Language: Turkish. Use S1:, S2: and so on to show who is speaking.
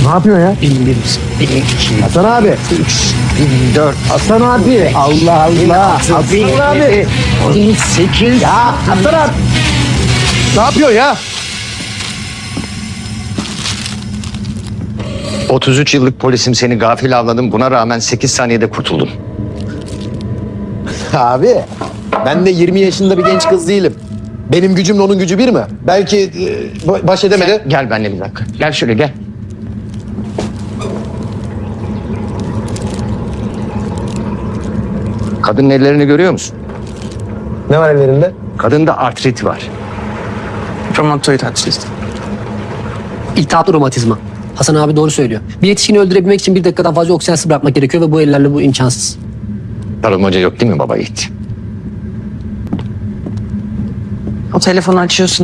S1: Ne yapıyor ya?
S2: 1001, 1002,
S1: Hasan abi.
S2: 3, 1004,
S1: Hasan abi. Allah Allah. Hasan abi.
S2: 1008.
S1: Ya Hasan abi. Ne yapıyor ya?
S3: 33 yıllık polisim, seni gafil avladım. Buna rağmen 8 saniyede kurtuldun.
S1: Abi ben de 20 yaşında bir genç kız değilim. Benim gücümle onun gücü bir mi? Belki baş edemedi.
S3: Gel benimle bir dakika. Gel şöyle gel. Kadının ellerini görüyor musun?
S1: Ne var ellerinde?
S3: Kadında artrit var.
S2: Romatoid artrit.
S4: İltihaplı romatizma. Hasan abi doğru söylüyor. Bir yetişkini öldürebilmek için 1 dakikadan fazla oksijensiz bırakmak gerekiyor ve bu ellerle bu imkansız.
S3: Tarım Hoca yok değil mi baba yiğit?
S2: O telefonu açıyorsun.